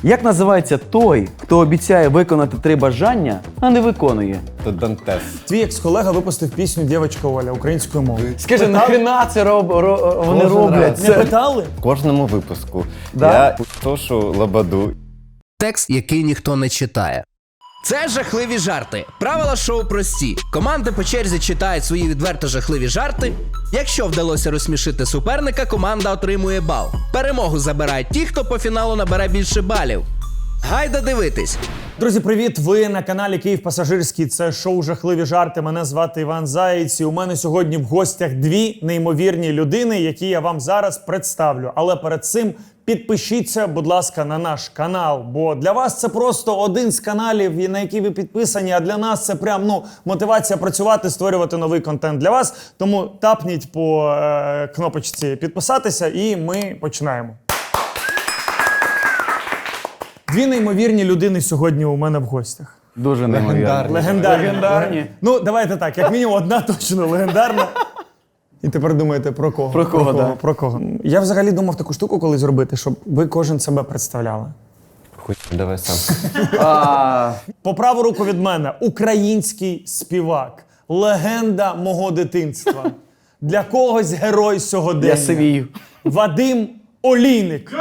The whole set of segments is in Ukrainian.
Як називається той, хто обіцяє виконати 3 бажання, а не виконує? Тут Дантес. Твій екс-колега випустив пісню «Дівочка Оля» українською мовою. Скажи, нахрена це вони Кожен роблять? раз. Не питали? В кожному випуску Да? я тошу лабаду. Текст, який ніхто не читає. Це жахливі жарти. Правила шоу прості. Команди по черзі читають свої відверто жахливі жарти. Якщо вдалося розсмішити суперника, команда отримує бал. Перемогу забирають ті, хто по фіналу набере більше балів. Гайда дивитись! Друзі, привіт! Ви на каналі Київ Пасажирський. Це шоу «Жахливі жарти». Мене звати Іван Заєць. І у мене сьогодні в гостях 2 неймовірні людини, які я вам зараз представлю. Але перед цим підпишіться, будь ласка, на наш канал. Бо для вас це просто один з каналів, на який ви підписані, а для нас це прям, мотивація працювати, створювати новий контент для вас. Тому тапніть по кнопочці «Підписатися» і ми починаємо. 2 неймовірні людини сьогодні у мене в гостях. Дуже неймовірно. Легендарні. Ну, давайте так, як мінімум одна точно легендарна. І тепер думаєте, про кого? Про кого, да. Про кого? Я взагалі думав таку штуку колись зробити, щоб ви кожен себе представляли. Хуй, давай сам. По праву руку від мене український співак, легенда мого дитинства. Для когось герой сьогодення. Я сивію. Вадим Олійник.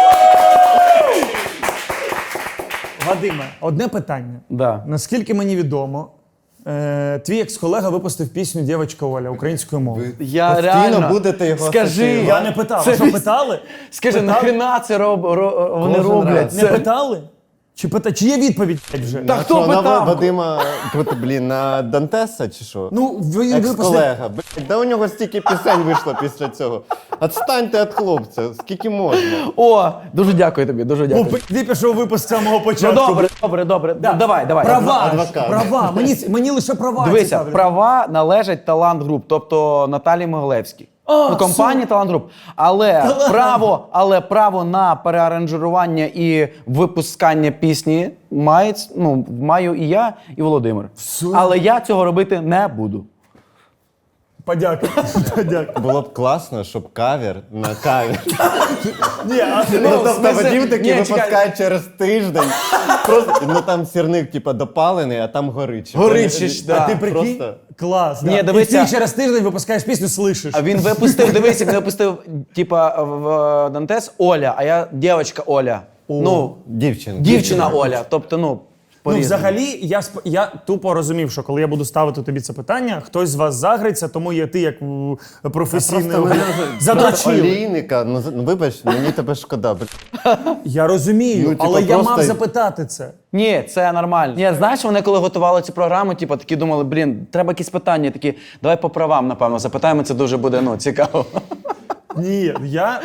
Вадиме, одне питання. Да. Наскільки мені відомо, твій екс-колега випустив пісню «Дівочка Оля» українською мовою. Я Постійно реально... будете його Скажи. асоціювати. Я не питав. Це А що, питали? Скажи, Питали? нахрена це вони Кожен роблять? раз. Не питали? Чи є відповідь вже? Та А хто що, на питав? Вадима, на Дантеса чи що? Ну, він випустив... Екс-колега. Блядь, да у нього стільки пісень вийшло після цього. Отстаньте від хлопця, скільки можна. О, дуже дякую тобі, дуже дякую. Ти пішов випуск з самого Ну початку. добре. Давай. Права, Адвокат. права. Мені лише права Дивися, цікавлять. права належать Талант Груп, тобто Наталії Могилевській. Компанії Талант Груп. Але право на переаранжування і випускання пісні маю і я, і Володимир. Але я цього робити не буду. Подякую. Було б класно, щоб кавер на кавер. Ні, а Тобто Вадим Ні, такий чекай. випускає через тиждень. Просто, там сірник допалений, а там горичить. Горичиш, да. А ти прикинь? Просто... Клас. Ні, да. дивися. І ти через тиждень випускаєш пісню, слышиш. А він випустив, дивись, як він випустив, в Дантес Оля, а я дівчинка Оля. Дівчина Оля. Тобто, Взагалі, я тупо розумів, що коли я буду ставити тобі це питання, хтось з вас загриться, тому є ти як професійний задрочив. Олійника, вибач, мені тебе шкода. Я розумію, але я мав запитати це. Ні, це нормально. Ні, знаєш, вони коли готували цю програму, такі думали, треба якісь питання, такі, давай по правам, напевно, запитаємо, це дуже буде, цікаво. Ні, я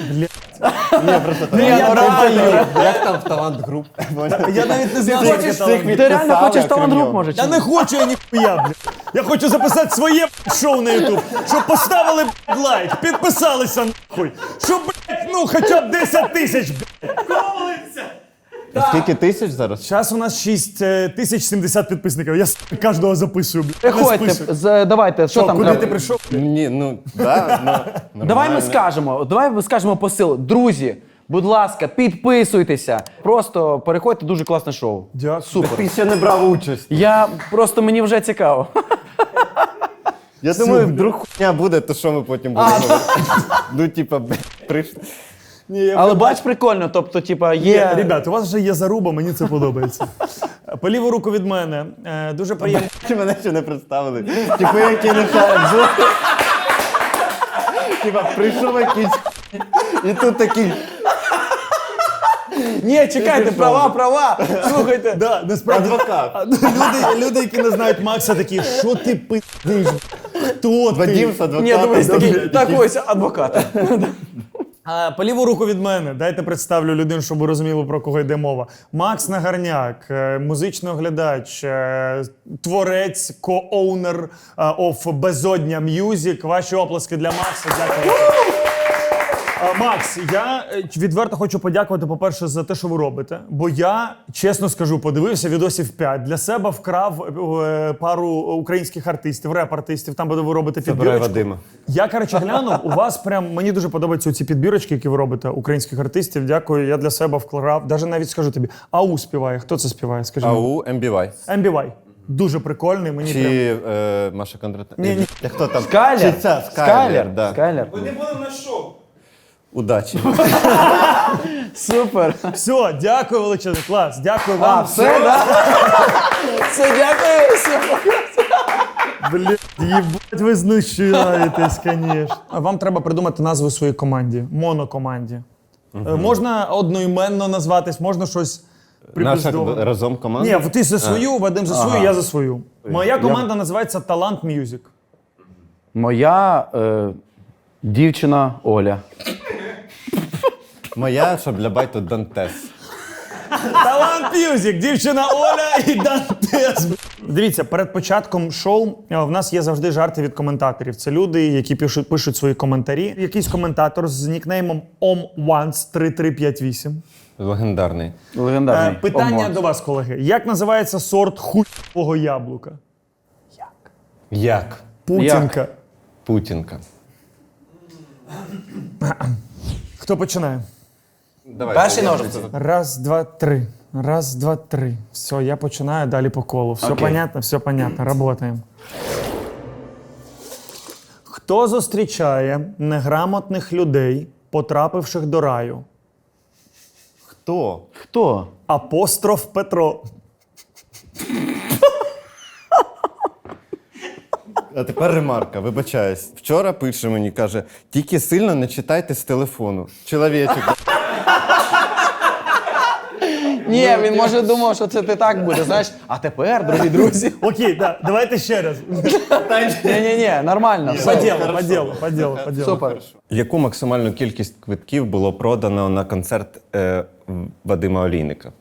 Як там в Талант Груп? Я навіть не знаю, Ти що це талант. Ти реально хочеш Талант Груп, нього. може? Я не хочу, я ніхуя, блядь. Я хочу записати своє шоу на YouTube, щоб поставили лайк, підписалися нахуй. Щоб, хоча б 10 тисяч, Скільки тисяч зараз? Зараз у нас 6070 підписників. Я кожного записую, блядь. Не Приходьте, спишу. давайте, що там Куди треба? ти прийшов? Давай ми скажемо посил. Друзі, будь ласка, підписуйтеся. Просто переходьте, дуже класне шоу. Дякую. Супер. Ти ще не брав участь. Мені вже цікаво. Я думаю, вдруг хуйня буде, то що ми потім будемо? Прийшли. Але бач, прикольно, тобто, є... Ребят, у вас вже є заруба, мені це подобається. По ліву руку від мене. Дуже приємно. Чи мене ще не представили? Які не шарять. Прийшов якийсь і тут такий... Ні, чекайте, права. Слухайте. Да, насправді. Адвокат. Люди, які не знають Макса, такі, що ти пиздиш? Хто ти? Вадим з адвокатом. Ні, дивись, так ось, адвокат. По ліву руку від мене, дайте представлю людину, щоб ви розуміли, про кого йде мова. Макс Нагарняк, музичний оглядач, творець, ко-оунер of Безодня Music. Ваші оплески для Макса. Дякую. Макс, я відверто хочу подякувати, по-перше, за те, що ви робите. Бо я, чесно скажу, подивився відосів 5. Для себе вкрав пару українських артистів, реп-артистів, там, де ви робите Забирай підбірочку. Вадима. Я, коротше, глянув, у вас прям, мені дуже подобаються ці підбірочки, які ви робите, українських артистів. Дякую, я для себе вклав. Навіть скажу тобі, АУ співає. Хто це співає? Скажи мені. АУ, MBY. MBY. Дуже прикольний, мені прям... Чи Маша Кондратенко? Ні. Хто там? Скайлер? Чи ця? Скайлер, да. Скайлер. Удачі. Супер. Все, дякую величезно, клас, дякую вам. Все, да? Все, дякую. Все. Блядь, їбать, ви знущаєтесь, звісно. Вам треба придумати назву своїй команді, монокоманді. Можна одноіменно назватись, можна щось Наша припиздове. разом команда? Ні, ти за свою, Вадим за свою, я за свою. Моя команда називається Талант Мюзик. Моя дівчина Оля. Моя, щоб для байту Дантес. Талант Мюзик, дівчина Оля і Дантес. Дивіться, перед початком шоу в нас є завжди жарти від коментаторів. Це люди, які пишуть свої коментарі. Якийсь коментатор з нікнеймом OMONCE3358. Легендарний. Легендарний. Питання Омон. до вас, колеги. Як називається сорт хуйового яблука? Як? Путінка. Путінка. Хто починає? Давай. Перші ножиці. Раз, два, три. Раз, два, три. Все, я починаю далі по колу. Все Окей. понятно? Все понятно. Работаємо. Хто зустрічає неграмотних людей, потрапивших до раю? Хто? Хто? Апостроф Петро. А тепер ремарка, вибачаюсь. Вчора пише мені, каже, тільки сильно не читайте з телефону. Чоловічок. Ні, він може думав, що це ти так буде, знаєш. А тепер, дорогі друзі. Окей, да, давайте ще раз. Ні, нормально. По Все. ділу, по ділу. Супер. Яку максимальну кількість квитків було продано на концерт Вадима Олійника?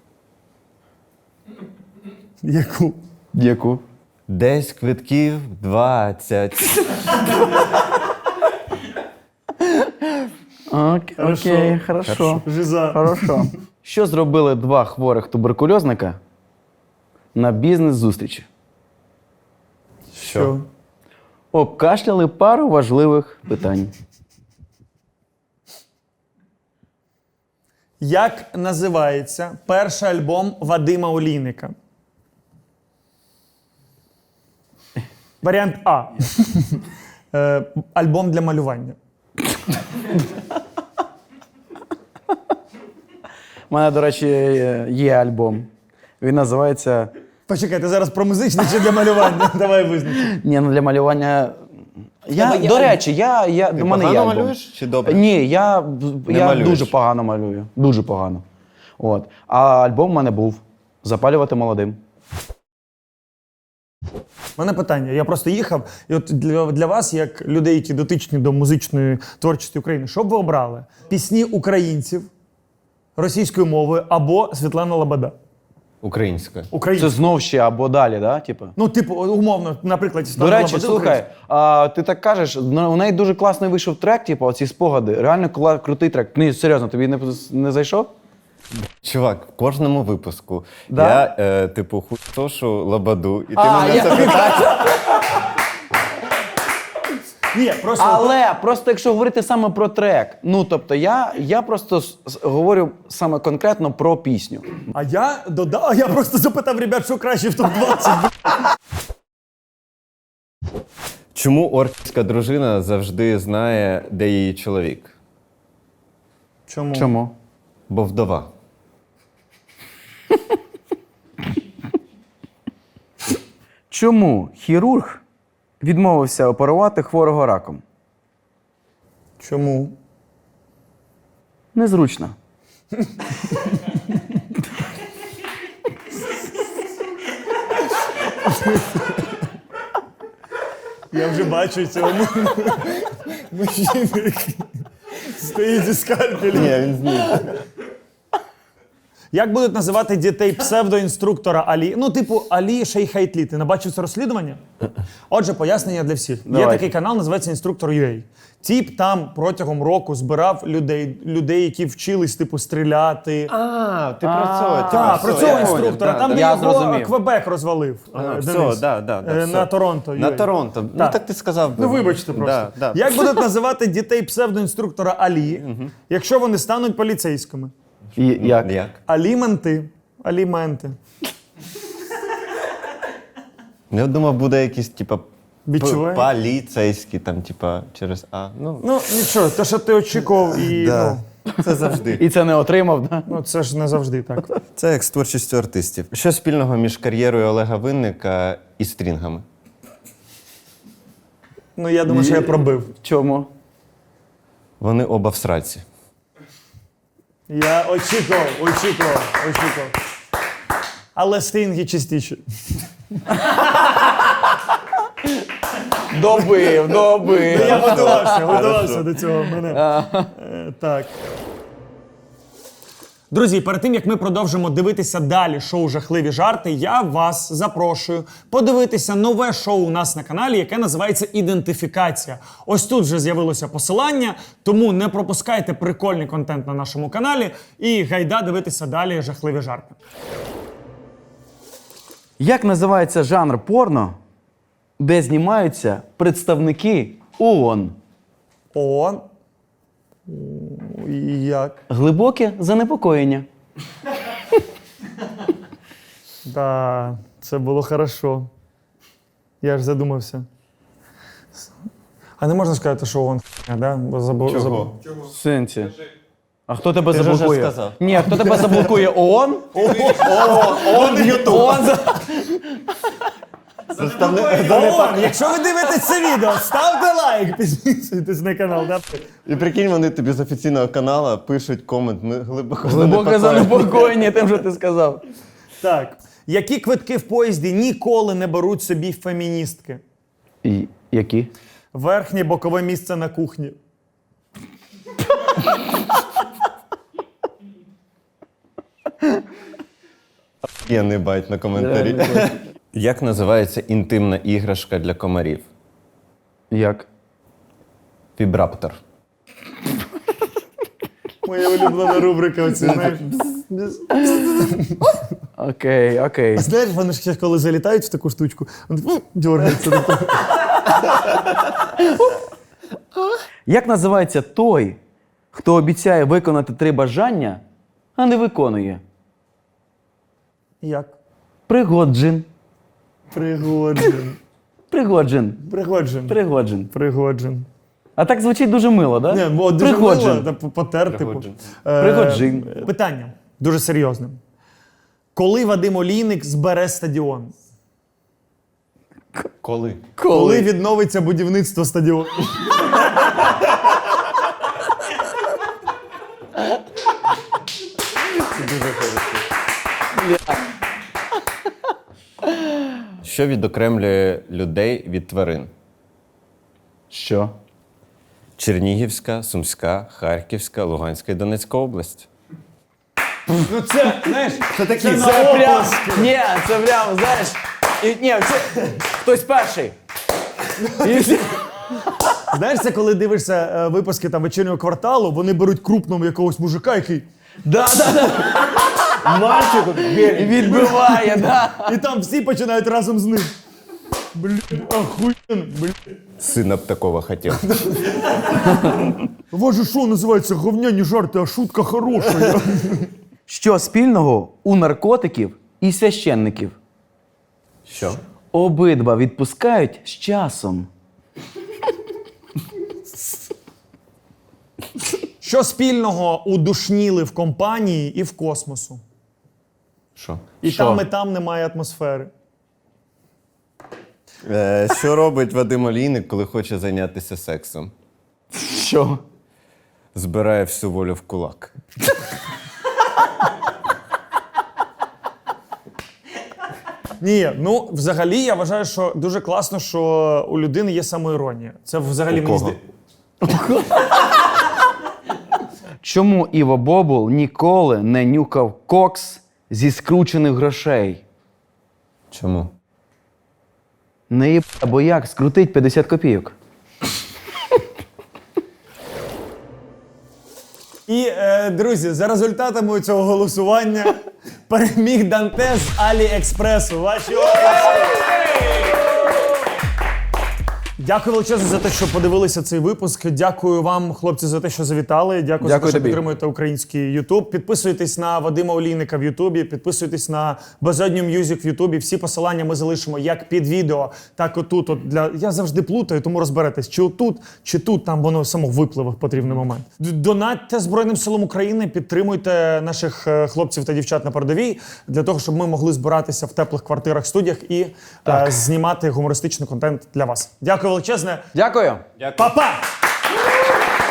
Яку? Яку? Десь квитків 20. Окей, хорошо. Жиза. Хорошо. Що зробили два хворих туберкульозника на бізнес-зустрічі? Що? Обкашляли пару важливих питань. Як називається перший альбом Вадима Олійника? Варіант А. Альбом для малювання. У мене, до речі, є альбом. Він називається. Почекай, ти зараз про музичне чи для малювання? Давай визначимо. Ні, ну для малювання. До речі, Ти до мене є погано альбом. малюєш чи добре? Ні, я малюєш? дуже погано малюю. Дуже погано. От. А альбом у мене був Запалювати молодим. У мене питання. Я просто їхав, і от для вас, як людей, які дотичні до музичної творчості України, що б ви обрали? Пісні українців російською мовою або Світлана Лобода? Українською. Це Українською. знов ще або далі, да? Типу? Ну, типу, умовно, наприклад, До Світлана речі, Лобода слухай, ти так кажеш, у неї дуже класний вийшов трек, типу, оці спогади. Реально крутий трек. Ні, серйозно, тобі не зайшов? Чувак, в кожному випуску Да? я, типу, хуйсошу Лободу, і ти А, мене я- це питаєш. Ні, просто Але просто якщо говорити саме про трек, ну тобто я просто говорю саме конкретно про пісню. А я додав, я просто запитав ребят, що краще в топ-20. Чому орківська дружина завжди знає, де її чоловік? Чому? Чому? Бо вдова. Чому хірург відмовився оперувати хворого раком? Чому? Незручно. Я вже бачу цього мужчину, який стоїть зі скальпелем. Ні, він зніг. Як будуть називати дітей псевдоінструктора Алі? Ну, типу, Алі Шейхайтлі. Ти не бачив це розслідування? Отже, пояснення для всіх. Є Давайте. такий канал, називається «Інструктор.UA». Тіп там протягом року збирав людей, які вчились, типу, стріляти. Ти про цього. Так, про цього інструктора. Там, де я його зрозумів. Квебек розвалив. Все, да, На все. Торонто. На UA. Торонто. Ну так ти сказав. Ну, вибачте просто. Да. Як будуть називати дітей псевдоінструктора Алі, якщо вони стануть поліцейськими? Як? Як? Аліменти. Аліменти. Я думав, буде якийсь, типа, Відчуваю. поліцейський, там, типа, через А. Ну, Ну, нічого, те, що ти очікував, і да. Це завжди. І це не отримав, да? ну, це ж не завжди так. Це як з творчістю артистів. Що спільного між кар'єрою Олега Винника і стрінгами? Ну, я думаю, що я пробив. Чому? Вони оба в сраці. Я очікував. Але стрінги чистіші. Добив. Я готувався до цього. Так. Друзі, перед тим, як ми продовжимо дивитися далі шоу «Жахливі жарти», я вас запрошую подивитися нове шоу у нас на каналі, яке називається «Ідентифікація». Ось тут вже з'явилося посилання, тому не пропускайте прикольний контент на нашому каналі і гайда дивитися далі «Жахливі жарти». Як називається жанр порно, де знімаються представники ООН? ООН? Як? Глибоке занепокоєння. Да, це було хорошо. Я ж задумався. А не можна сказати, що ООН да? Бо забув. В сенсі. А хто тебе Ти ж вже заблокує? сказав. Ні, хто тебе заблокує? ООН? ООН Ютуб. ООН, якщо ви дивитесь це відео, ставте лайк, підписуйтесь на канал. Да? І прикинь, вони тобі з офіційного каналу пишуть комент. Ми глибоко Глибоке занепокоєння тим, що ти сказав. Так. Які квитки в поїзді ніколи не беруть собі феміністки? І які? Верхнє бокове місце на кухні. Я не байт на коментарі. Як називається інтимна іграшка для комарів? Як? Вібраптор. Моя улюблена рубрика оці, знаєш. Окей. Знаєш, вони ж коли залітають в таку штучку, вони дергаються. Як називається той, хто обіцяє виконати 3 бажання, а не виконує? Як? Пригоджин. Пригоджен. Пригоджин. Пригоджен. Пригоджин. Пригоджен. А так звучить дуже мило, так? Да? Ні, бо дуже Пригоджин. мило, потер, типу. Пригоджен. Пригоджин. Питання дуже серйозне. Коли Вадим Олійник збере стадіон? Коли? Коли відновиться будівництво стадіону? Що відокремлює людей від тварин? Що? Чернігівська, Сумська, Харківська, Луганська і Донецька область. Ну це, знаєш, це такі Це прям, ні, це прям, знаєш, хтось перший. І всі- Знаєш, це коли дивишся випуски там вечірнього кварталу, вони беруть крупного якогось мужика, який Да. мальчику, І відбиває, да. і там всі починають разом з ним. Блін, охуєнно, блін. Сина б такого хотів. Ваше шоу називається «Говняні жарти, а шутка хороша». Що спільного у наркотиків і священників? Що? Обидва відпускають з часом. Що спільного у душніли в компанії і в космосу? Що? І Що? там, і там немає атмосфери. Що робить Вадим Олійник, коли хоче зайнятися сексом? Що? Збирає всю волю в кулак. Ні, ну взагалі я вважаю, що дуже класно, що у людини є самоіронія. Це взагалі У мені кого? Чому Іво Бобул ніколи не нюкав кокс зі скручених грошей? Чому? Не їб, бо як скрутить 50 копійок? І, друзі, за результатами цього голосування переміг Данте з Аліекспресу. Ваші оплески! Дякую величезно за те, що подивилися цей випуск. Дякую вам, хлопці, за те, що завітали. Дякую за те, що тобі. підтримуєте український Ютуб. Підписуйтесь на Вадима Олійника в Ютубі, підписуйтесь на Безодню М'юзик в Ютубі. Всі посилання ми залишимо як під відео, так отут. Я завжди плутаю, тому розберетесь, чи отут, чи тут, там воно само випливе в потрібний момент. Донатьте Збройним силам України, підтримуйте наших хлопців та дівчат на передовій, для того, щоб ми могли збиратися в теплих квартирах, студіях і знімати гумористичний контент для вас. Дякую величезне. Дякую. Па-па!